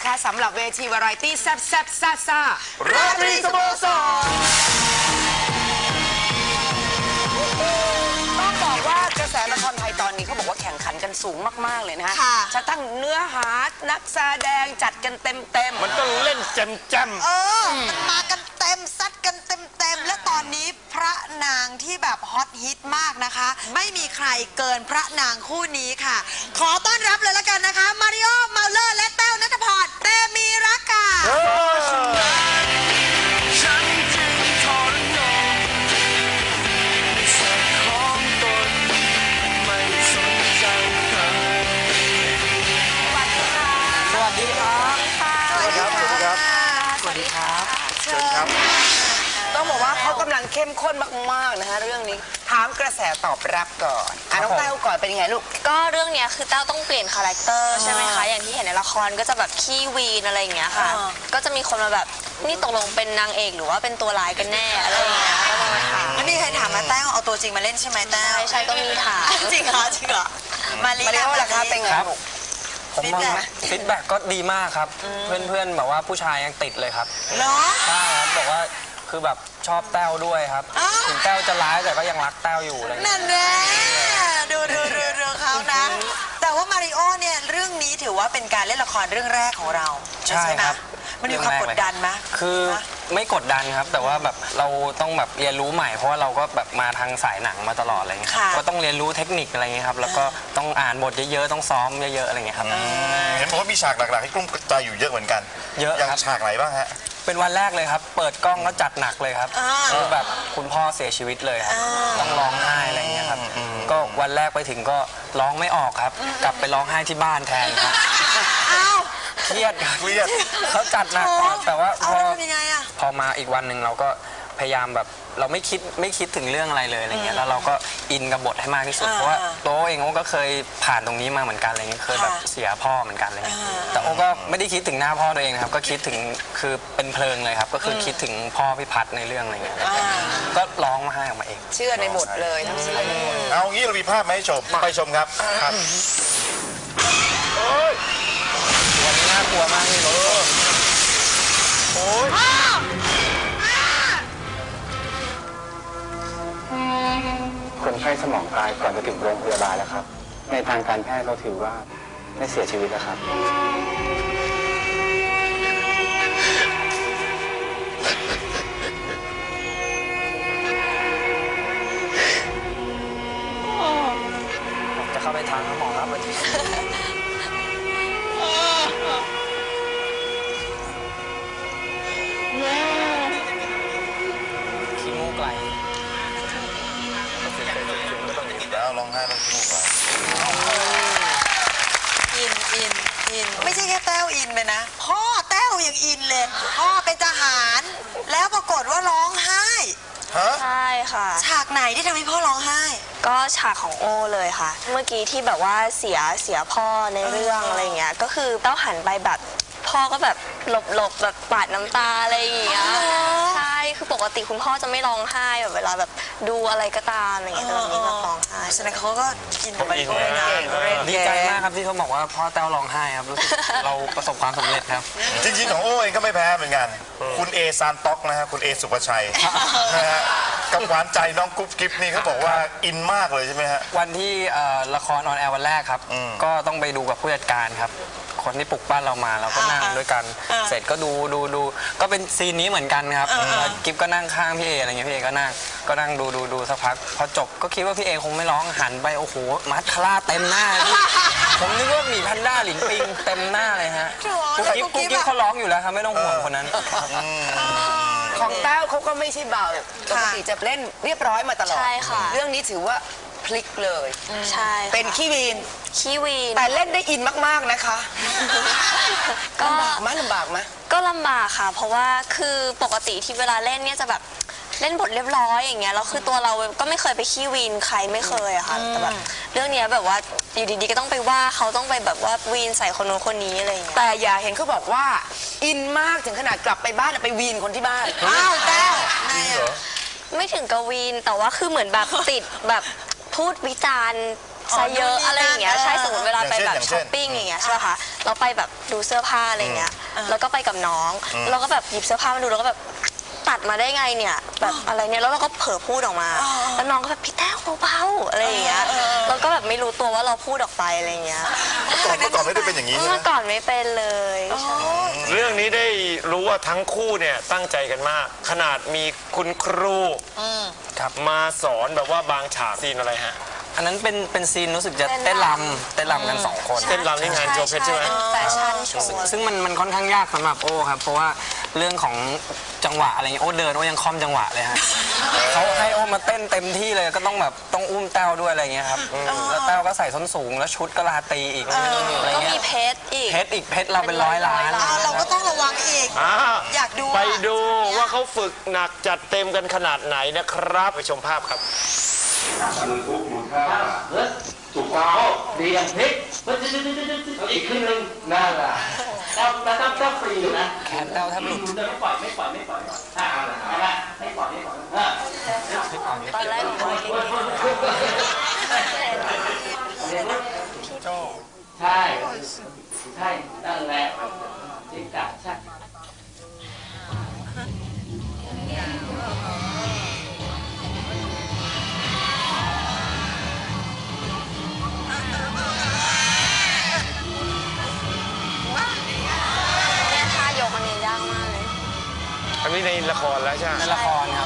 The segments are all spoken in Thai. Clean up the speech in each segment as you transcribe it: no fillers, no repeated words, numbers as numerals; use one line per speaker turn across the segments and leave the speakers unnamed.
นะคะสำหรับเวทีวาไรตี้แซ่บแซ่บซ่าซ่า
ราตรีสโมสร
ต้องบอกว่ากระแสละครไทยตอนนี้เขาบอกว่าแข่งขันกันสูงมากๆเลยนะฮะจะตั้งเนื้อหานักแสดงจัดกันเต็ม
มันต้องเล่นแจม
มันมากันเต็มซัดกันเต็มและตอนนี้พระนางที่แบบฮอตฮิตมากนะคะไม่มีใครเกินพระนางคู่นี้ค่ะขอต้อนรับเลยละกันนะคะมาริโอเมาเลอร์และแต้วณัฐพรเตมีรักค่ะ
ต้องบอกว่าเขากำลังเข้มข้นมากๆนะคะเรื่องนี้ถามกระแสตอบรับก่อนน้องแต้วก่อนเป็นยังไงลูก
ก็เรื่องนี้คือแต้วต้องเปลี่ยนคาแรคเตอร์ใช่ไหมคะอย่างที่เห็นในละครก็จะแบบขี้วีนอะไรอย่างเงี้ยค่ะก็จะมีคนมาแบบนี่ตกลงเป็นนางเอกหรือว่าเป็นตัวร้ายกันแน่อะไรอย่างเงี้ยก็มาถาม
ไม่มีใครถามมาแต้วเอาตัวจริงมาเล่นใช่ไหมแต้ว
ใช่ก็มีถาม
จริงเหรอมาริโอล่ะคะเป็นไง
ผมมองฟีดแบ็กก็ดีมากครับเพื่อนๆแบบว่าผู้ชายยังติดเลยครับ
เนาะ
ใช่ครับบอกว่าคือแบบชอบแต้วด้วยครับถึงแต้วจะร้ายแต่ก็ยังรักแต้วอยู่อะไร
นั่นแหละดูเขานะแต่ว่ามาริโอเนี่ยเรื่องนี้ถือว่าเป็นการเล่นละครเรื่องแรกของเรา
ใช่ครับ
มันมีความกดดันไหม
คือไม่กดดันครับแต่ว่าแบบเราต้องแบบเรียนรู้ใหม่เพราะว่าเราก็แบบมาทางสายหนังมาตลอดอะไรเงี้ยก็ต้องเรียนรู้เทคนิคอะไรเงี้ยครับแล้วก็ต้องอ่านบทเยอะๆต้องซ้อมเยอะๆอะไรเงี้ยครับ
เห็นบอกว่ามีฉากหลักๆให้กลุ้มใจอยู่เยอะเหมือนกัน
เยอะ
อย่างฉากไหนบ้างฮะ
เป็นวันแรกเลยครับเปิดกล้องก็จัดหนักเลยครับคือแบบคุณพ่อเสียชีวิตเลยครับต้องร้องไห้อะไรเงี้ยครับก็วันแรกไปถึงก็ร้องไม่ออกครับกลับไปร้องไห้ที่บ้านแทนครับเครียดเขาจัดหนักแต่ว่าพอมาอีกวันหนึ่งเราก็พยายามแบบเราไม่คิดถึงเรื่องอะไรเลยอะไรเงี้ยแล้วเราก็อินกับบทให้มากที่สุดเพราะว่าโต้เองก็เคยผ่านตรงนี้มาเหมือนกันอะไรเงี้ยเคยแบบเสียพ่อเหมือนกันอะไรเงี้ยแต่โอ้ก็ไม่ได้คิดถึงหน้าพ่อตัวเองนะครับก็คิดถึงคือเป็นเพลิงเลยครับก็คือคิดถึงพ่อพิพัฒน์ในเรื่องอะไรเงี้ยก็ร้องมาให้ออกมาเอง
เชื่อในบทเลยทั้งสิ้น
เอางี้เรามีภาพมาให้ชมไปชมครับ
วันนี้น่ากลัวมากนี่รถ
โอ้ย
คนไข้สมองตายก่อนจะถึงโรงพยาบาลแล้วครับในทางการแพทย์เราถือว่าได้เสียชีวิตแล้วครับ
จะเข้าไปทางหมอครับวันที่ขี้มูกไหล
แล้วร้องไห้แล้วลูก
อินไม่ใช่แค่แต้วอินไปนะพ่อแต้วยังอินเลยพ่อเป็นทหารแล้วปรากฏว่าร้องไห้
ใช่ค่ะ
ฉากไหนที่ทำให้พ่อร้องไห้
ก็ฉากของโอเลยค่ะเมื่อกี้ที่แบบว่าเสียพ่อในเรื่องอะไรเงี้ยก็คือเต้าหันไปแบบพ่อก็แบบหลบแบบปาดน้ำตาอะไรอย่างเงี้ยใช่คือปกติคุณพ่อจะไม่ร้องไห้แบบเวลาแบบดูอะไรก็ตามอะไรเงี้ยแต่วันนี้แบบร้องไห้
ฉะนั้นเขาก็กินไปด้วยนะ
ดีใจมากครับที่เขาบอกว่าพ่อแต้วร้องไห้ครับรู้สึกเราประสบความสำเร็จครับ
จริงๆของโอ้เองก็ไม่แพ้เหมือนกันคุณเอซานต็อกนะฮะคุณเอสุภชัยนะฮะกับหวานใจน้องกุ๊บกิ๊บนี่เขาบอกว่าอินมากเลยใช่ไหมฮะ
วันที่ละครออนแอร์วันแรกครับก็ต้องไปดูกับผู้จัดการครับคนที่ปลุกบ้านเรามาเราก็นั่งด้วยกันเสร็จก็ดูก็เป็นซีนนี้เหมือนกันครับกิ๊บก็นั่งข้างพี่เออะไรเงี้ยพี่เอก็นั่งดูสักพักพอจบก็คิดว่าพี่เอคงไม่ร้องหันไปโอ้โหมัสคาร่าเต็มหน้าผมนึกว่าหมีแพนด้าหลินปิงเต็มหน้าเลยฮะกุ๊กกิ๊บเขาร้องอยู่แล้วครับไม่ต้องห่วงคนนั้น
ของแต้วเขาก็ไม่ใช่เบาปกติจะเล่นเรียบร้อยมาตลอด
ใช่ค่ะ
เรื่องนี้ถือว่าพลิกเลย
ใช่
เป็นขี้วีนแต่เล่นได้อินมากๆนะคะลำบากไหม
ก็ลำบากค่ะเพราะว่าคือปกติที่เวลาเล่นเนี่ยจะแบบเล่นบทเรียบร้อยอย่างเงี้ยแล้วคือตัวเราก็ไม่เคยไปขี้วีนใครไม่เคยอะค่ะแต่แบบเรื่องนี้แบบว่าอยู่ดีๆก็ต้องไปว่าเขาต้องไปแบบว่าวีนใส่คนโน้นคนนี้อะไรอย่างเงี้ย
แต่อย่าเห็นเขาบอกว่าอินมากถึงขนาดกลับไปบ้านไปวีนคนที่บ้าน
อ้าวแต้ว
ไม่ถึงกับวีนแต่ว่าคือเหมือนแบบติดแบบพูดวิจารณ์ซะเยอะอะไรอย่างเงี้ยใช่สมมติเวลาไปแบบช้อปปิ้งอย่างเงี้ยใช่ไหมคะเราไปแบบดูเสื้อผ้าอะไรเงี้ยแล้วก็ไปกับน้องเราก็แบบหยิบเสื้อผ้ามาดูแล้วก็แบบตัดมาได้ไงเนี่ยแบบอะไรเนี่ยแล้วเราก็เผลอพูดออกมาแล้วน้องก็แบบพี่แต้วเบาๆอะไรอย่างเงี้ยเราก็แบบไม่รู้ตัวว่าเราพูดออกไปอะไรอย่างเงี้ย
เมื่อก่อนไม่ได้เป็นอย่างนี้ใช่ไหม
เมื่อก่อนไม่เป็นเลยใช่
เรื่องนี้ได้รู้ว่าทั้งคู่เนี่ยตั้งใจกันมาก ขนาดมีคุณครูมาสอนแบบว่าบางฉากซีนอะไรฮะ
อันนั้นเป็นซีนรู้สึกจะเต้นรำกัน2 คน
เต้นรำนี่งานโชว์เพชรใช่ไหม
เป็นแฟชั่นโชว์
ซึ่งมันค่อนข้างยากสำหรับโอ้ครับเพราะว่าเรื่องของจังหวะอะไรเงี้ยโอ้เดินโอ้ยังคล่อมจังหวะเลยฮะเขาให้โอ้มาเต้นเต็มที่เลยก็ต้องแบบต้องอุ้มแต้วด้วยอะไรเงี้ยครับแล้วแต้วก็ใส่ส้นสูงแล้วชุดก็ลาตีอีกอะไร
ก็
เงี้
มี
ย
เพชรอีก
เพชรเราเป็น100 ล้าน
เราก็ต้องระวังอีก อยากดู
ไปดูว่าเขาฝึกหนักจัดเต็มกันขนาดไหนนะครับไปชมภาพครับ
ถูกต้องดีอย่างพลิกอีกครึ่งหนึงนั่นแหละต้องฟรีอยู่นะ
แขนแต้วแทบหลุด
จะไม่ปล่อยไม่ปล่อยไม่ปล่อยเอาละไม่ปล่อยไม่ปล่อย
ตอนแรกของเรา
ใช่ใช่นั่นแหละจริงจังใช่
เนี่ยท่ายกอันนี้ยากมากเลย
อันนี้ในละครแล้วใช่ไหม
ในละครครับ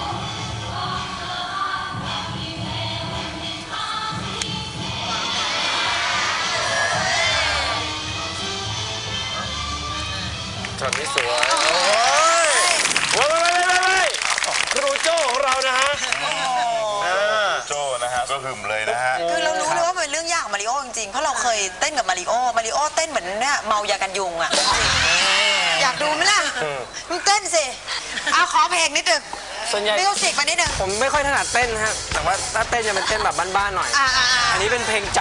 ช็อตนี้สวยโอ้ยครูโจ้ของเรานะฮะ
โจ้นะฮะก็หึมเลยนะฮะ
คือเรารู้เลยว่ามันเป็นเรื่องยากของมาริโอจริงๆ เพราะเราเคยเต้นกับมาริโอเต้นเหมือนเนี่ยเมายากันยุงอ่ะ อยากดูไหมล่ะมึงเต้นสิเอาขอเพลงนิดนึง
ส่วนใหญ่
มิวสิกมานิดนึง
ผมไม่ค่อยถนัดเต้นฮะแต่ว่าถ้าเต้นจะเป็นเต้นแบบบ้านๆหน่อย อันนี้เป็นเพลงใจ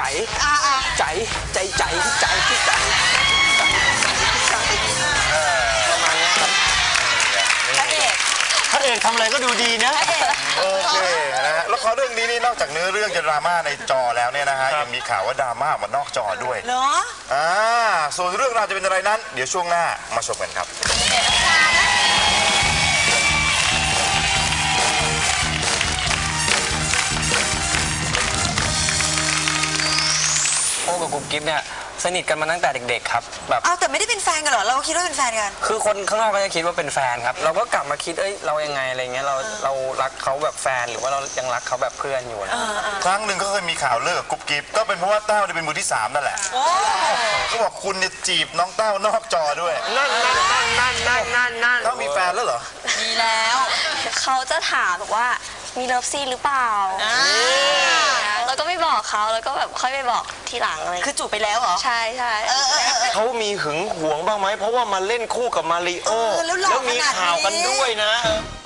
ประมาณนี้ครับ
พระเอกทำอะไรก็ดูดีนะ
โอเคนะฮะแล้วเขาเรื่องนี้นี่นอกจากเนื้อเรื่องจะดราม่าในจอแล้วเนี่ยนะฮะยังมีข่าวว่าดราม่ามานอกจอด้วย
เหรอ
ส่วนเรื่องราวจะเป็นอะไรนั้น เดี๋ยวช่วงหน้ามาชมกันครับ
โอ้กับกุ๊บกิ๊บเนี่ยสนิทกันมาตั้งแต่เด็กๆครับแบบ
เอาแต่ไม่ได้เป็นแฟนกันเหรอ เราคิดว่าเป็นแฟนกัน
คือคนข้างนอกก็จะคิดว่าเป็นแฟนครับ เราก็กลับมาคิดเรายังไงอะไรเงี้ยเรารักเขาแบบแฟนหรือว่าเรายังรักเขาแบบเพื่อนอยู่นะ
ครั้งหนึ่งก็เคยมีข่าวเลิกกับกุ๊บกิ๊บก็เป็นเพราะว่าแต้วเนี่ยเป็นมือที่ 3 นั่นแหละก็บอกคุณเนี่ยจีบน้องแต้วนอกจอด้วย
นั่น
แต้วมีแฟนแล้วเหรอ
มีแล้วเขาจะถามบอกว่ามีเลิฟซีนหรือเปล่าแล้วก็ไม่บอกเขาแล้วก็แบบค่อยไปบอกทีหลังอะไร
คือจูบไปแล้วเหรอ
ใช่
เขามีหึงหวงบ้างไหมเพราะว่ามาเล่นคู่กับมาริโอ
แล้วหล่อ
มีข่าวกัน
ขนาดนี้
ด้วยนะ